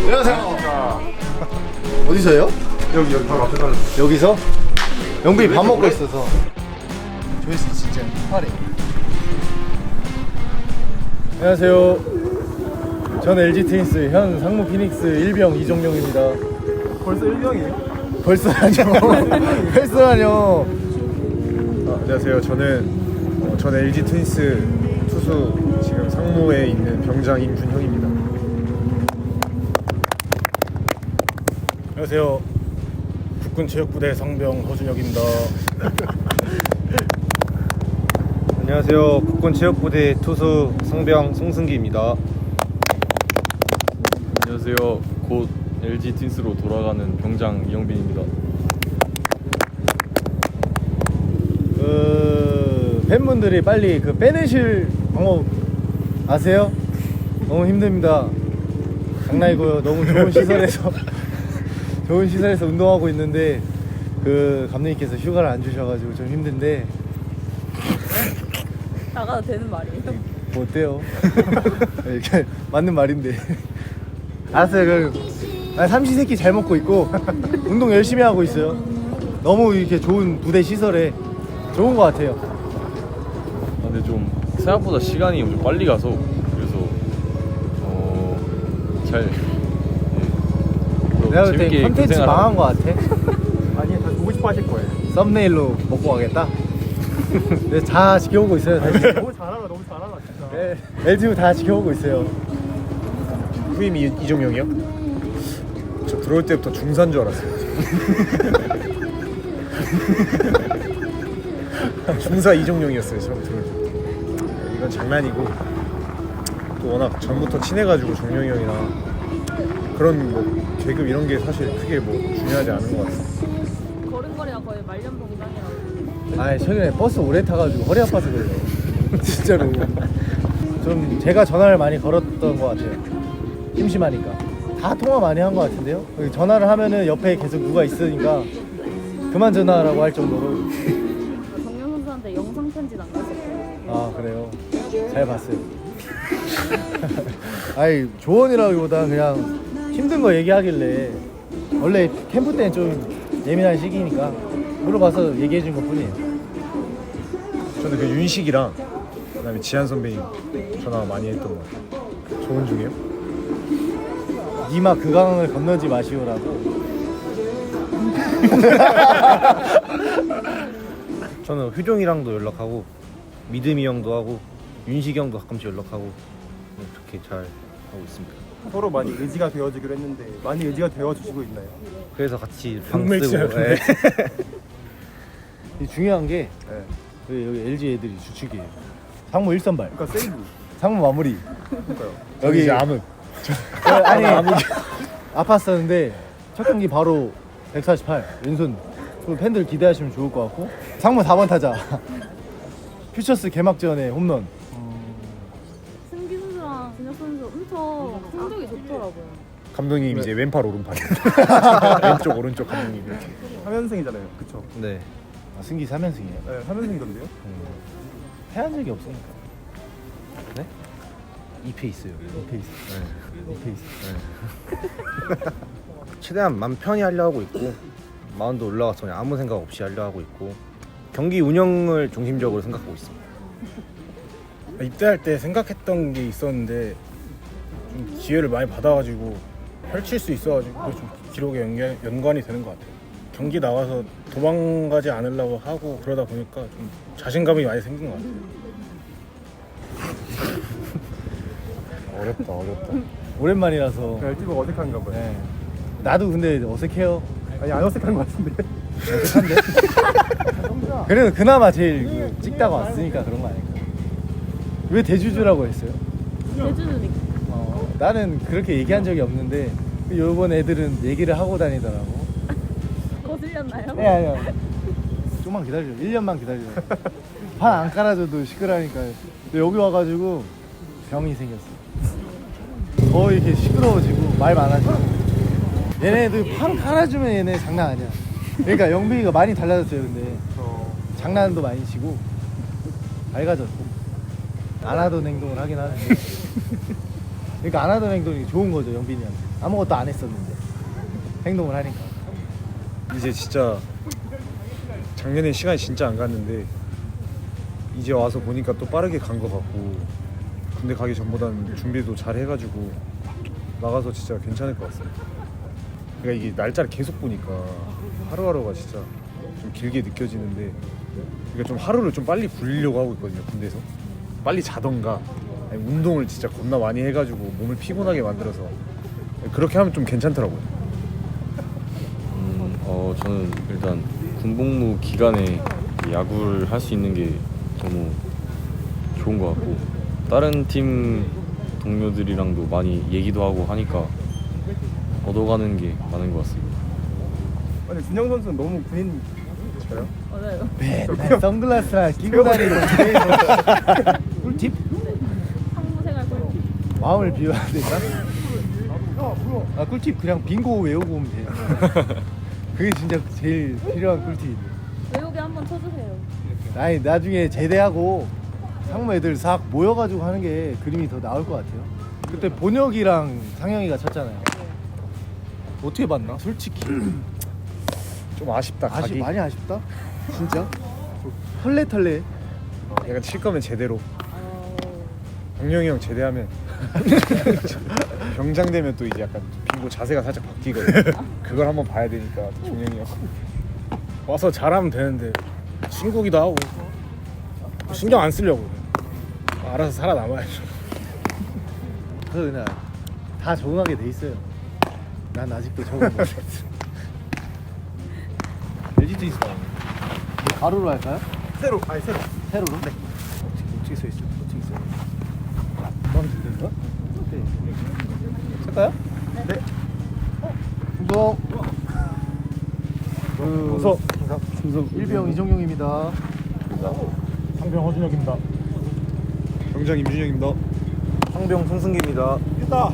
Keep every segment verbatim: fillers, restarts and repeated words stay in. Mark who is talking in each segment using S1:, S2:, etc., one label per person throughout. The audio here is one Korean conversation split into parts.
S1: 안녕하세요. 어디서요?
S2: 여기 여기 바로 앞에 가는.
S1: 여기서? 영빈이 밥 먹고 있어서. 조회수 진짜 화래. 안녕하세요. 전 엘지 트윈스 현 상무 피닉스 일병 이종용입니다.
S2: 벌써 일병이에요?
S1: 벌써라뇨. 벌써라뇨.
S2: 아, 안녕하세요. 저는 어, 전 엘지 트윈스 투수 지금 상무에 있는 병장 임준형입니다.
S3: 안녕하세요. 국군체육부대 상병 허준혁입니다.
S4: 안녕하세요. 국군체육부대 투수 성병 송승기입니다.
S5: 안녕하세요. 곧 엘지 트윈스로 돌아가는 병장 이영빈입니다.
S1: 그 팬분들이 빨리 그 빼내실 방법 아세요? 너무 힘듭니다. 장난이고요. 너무 좋은 시설에서 좋은 시설에서 운동하고 있는데 그 감독님께서 휴가를 안 주셔가지고 좀 힘든데
S6: 나가도 되는 말이에요?
S1: 뭐 어때요? 이렇게 맞는 말인데. 알았어요. 그럼 나 삼시세끼 잘 먹고 있고 운동 열심히 하고 있어요. 너무 이렇게 좋은 부대 시설에 좋은 것 같아요.
S5: 아, 근데 좀 생각보다 시간이 좀 빨리 가서 그래서 어, 잘 예,
S1: 내가 볼 때
S5: 재밌게
S1: 컨텐츠
S5: 군생활
S1: 망한 것 같아.
S2: 아니 다 보고 싶어 하실 거예요.
S1: 썸네일로 먹고 가겠다. 근데 다 지켜보고 있어요. 다시.
S2: 너무 잘하나 너무 잘하나 진짜.
S1: 네, 엘지유 다 지켜보고 있어요.
S2: 후임이 이종용이요? 저 들어올 때부터 중사인 줄 알았어요. 중사 이종용이었어요. 처음 들어올 때부터. 이건 장난이고 또 워낙 전부터 친해가지고 종용이 형이랑 그런 뭐 계급 이런 게 사실 크게 뭐 중요하지 않은 것 같아요.
S6: 걸음걸이가 거의 말년봉당이라고.
S1: 아, 최근에 버스 오래 타가지고 허리 아파서 그래요. 진짜로. 좀 제가 전화를 많이 걸었던 것 같아요. 심심하니까. 다 통화 많이 한 것 같은데요. 전화를 하면은 옆에 계속 누가 있으니까 그만 전화하라고 할 정도로.
S6: 정영 선수한테 영상 편지 남겼었어요.
S1: 아, 그래요? 잘 봤어요. 아이, 조언이라기보다 그냥 힘든 거 얘기하길래 원래 캠프 때는 좀 예민한 시기니까 물어봐서 얘기해 준 것 뿐이에요.
S2: 저는 그 윤식이랑 그다음에 지한 선배님 전화 많이 했던 것 같아요. 조언 중에요?
S1: 니마 그 강을 건너지 마시오라고.
S4: 저는 효종이랑도 연락하고 믿음이 형도 하고 윤식이 형도 가끔씩 연락하고 그렇게 잘 하고 있습니다.
S2: 서로 많이 의지가 되어주기로 했는데 많이 의지가 되어주시고 있나요?
S4: 그래서 같이 방
S2: 방물
S4: 쓰고
S2: 치라고.
S4: 예.
S1: 이 중요한 게
S2: 네.
S1: 여기, 여기 엘지 애들이 주축이에요. 상무 일 선발,
S2: 그러니까 세이브.
S1: 상무 마무리.
S2: 그러니까요.
S1: 여기
S2: 이제 암흑.
S1: 어, 아니 아팠었는데 첫 경기 바로 백사십팔 왼손. 그 팬들 기대하시면 좋을 것 같고 상무 사 번 타자. 퓨처스 개막전에 홈런.
S6: 승기 선수랑 준혁 선수 엄청 성적이 좋더라고요.
S2: 감독님 이제 왼팔 오른팔. 왼쪽 오른쪽 감독님 이렇게. 삼 연승이잖아요. 그쵸?
S4: 네.
S1: 아, 승기 삼 연승이에요.
S2: 네, 삼 연승이던데요?
S1: 패한 적이 없으니까.
S4: 네? 이 페이스요.
S1: 이 페이스. 이 페이스.
S4: 최대한 맘 편히 하려 하고 있고 마운드 올라가서 그냥 아무 생각 없이 하려 하고 있고 경기 운영을 중심적으로 생각하고 있습니다.
S3: 입대할 때 생각했던 게 있었는데 좀 기회를 많이 받아가지고 펼칠 수 있어가지고 그게 좀 기록에 연관, 연관이 되는 것 같아요. 경기 나와서 도망가지 않으려고 하고 그러다 보니까 좀 자신감이 많이 생긴 것 같아요.
S2: 어렵다 어렵다.
S1: 오랜만이라서.
S2: 엘티브가 어색한가 봐요.
S1: 네. 나도 근데 어색해요.
S2: 아니 안 어색한 것 같은데.
S1: 어색한데? 그래도 그나마 제일 그 찍다가 왔으니까 그런 거 아닐까. 왜 대주주라고 했어요?
S6: 대주주니까.
S1: 어, 나는 그렇게 얘기한 적이 없는데 요번 애들은 얘기를 하고 다니더라고.
S6: 거슬렸나요?
S1: 네, 아니요. 좀만 기다려. 일 년만 기다려. 판 안 깔아줘도 시끄러우니까. 근데 여기 와가지고 병이 생겼어. 더 이렇게 시끄러워지고 말 많아지고. 얘네들 판 깔아주면 얘네 장난 아니야. 그러니까 영빈이가 많이 달라졌어요. 근데
S2: 어...
S1: 장난도 많이 치고 밝아졌고 안 하던 행동을 하긴 하는데 그러니까 안 하던 행동이 좋은 거죠, 영빈이한테. 아무것도 안 했었는데 행동을 하니까.
S2: 이제 진짜 작년에 시간이 진짜 안 갔는데 이제 와서 보니까 또 빠르게 간 것 같고 군대 가기 전보다는 준비도 잘 해가지고 나가서 진짜 괜찮을 것 같습니다. 그러니까 이게 날짜를 계속 보니까 하루하루가 진짜 좀 길게 느껴지는데 그러니까 좀 하루를 좀 빨리 굴리려고 하고 있거든요. 군대에서 빨리 자던가 아니, 운동을 진짜 겁나 많이 해가지고 몸을 피곤하게 만들어서 그렇게 하면 좀 괜찮더라고요.
S5: 음, 어 저는 일단 군복무 기간에 야구를 할 수 있는 게 너무 좋은 것 같고 다른 팀 동료들이랑도 많이 얘기도 하고 하니까 얻어가는 게 많은 것 같습니다.
S3: 아니 준영 선수는 너무 군인 저요?
S6: 맞아요.
S1: 맨날 선글라스랑 끼고 다니고 꿀팁?
S6: 상무 생활 꿀팁.
S1: 마음을 비워야 되나? 아 꿀팁 그냥 빙고 외우고 오면 돼요. 그게 진짜 제일 필요한 꿀팁인데.
S6: 외우게 한번 쳐주세요.
S1: 아니 나중에 제대하고 상무 애들 싹 모여가지고 하는 게 그림이 더 나올 것 같아요. 그때 본혁이랑 상영이가 쳤잖아요. 어떻게 봤나? 솔직히
S2: 좀 아쉽다.
S1: 아쉽
S2: 가기.
S1: 많이 아쉽다. 진짜 털레털레.
S2: 약간 칠 거면 제대로.
S6: 어...
S2: 병영이 형 제대하면 병장 되면 또 이제 약간 빙고 자세가 살짝 바뀌거든. 그걸 한번 봐야 되니까 종영이 형.
S3: 와서 잘하면 되는데 친구기도 하고 신경 안 쓰려고 알아서 살아남아야죠.
S1: 그래서 그냥 다 적응하게 돼 있어요. 난 아직도 적응 못했어. 엘지 트윈스 가로로 할까요?
S3: 새로 아니 새로
S1: 세로로? 네.
S3: 어떻게 써 있어? 어떻게 써?
S1: 마음에 드는가? 네. 할까요? 네. 충성. 그
S3: 우석
S1: 충성 일병 이정용입니다.
S3: 상병 허준혁입니다.
S2: 병장 임준영입니다.
S4: 상병 송승기입니다.
S3: 있다.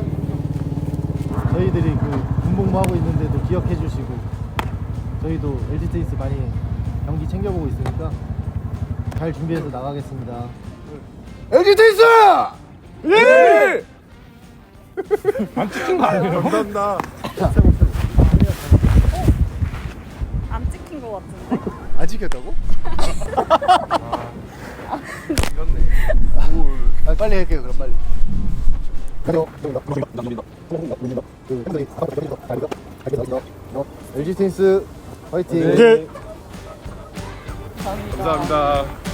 S1: 저희들이 그 군복무하고 있는데도 기억해 주시고 저희도 엘지 트윈스 많이 경기 챙겨보고 있으니까 잘 준비해서 나가겠습니다. 엘지 트윈스! 예!
S3: 안 찍힌 거 아니에요?
S2: 감사합니다.
S6: 안 찍힌 것 같은데?
S1: 안 지켰다고? 아, 빨리 할게요 그럼 빨리. 엘지 트윈스 화이팅.
S2: 감사합니다.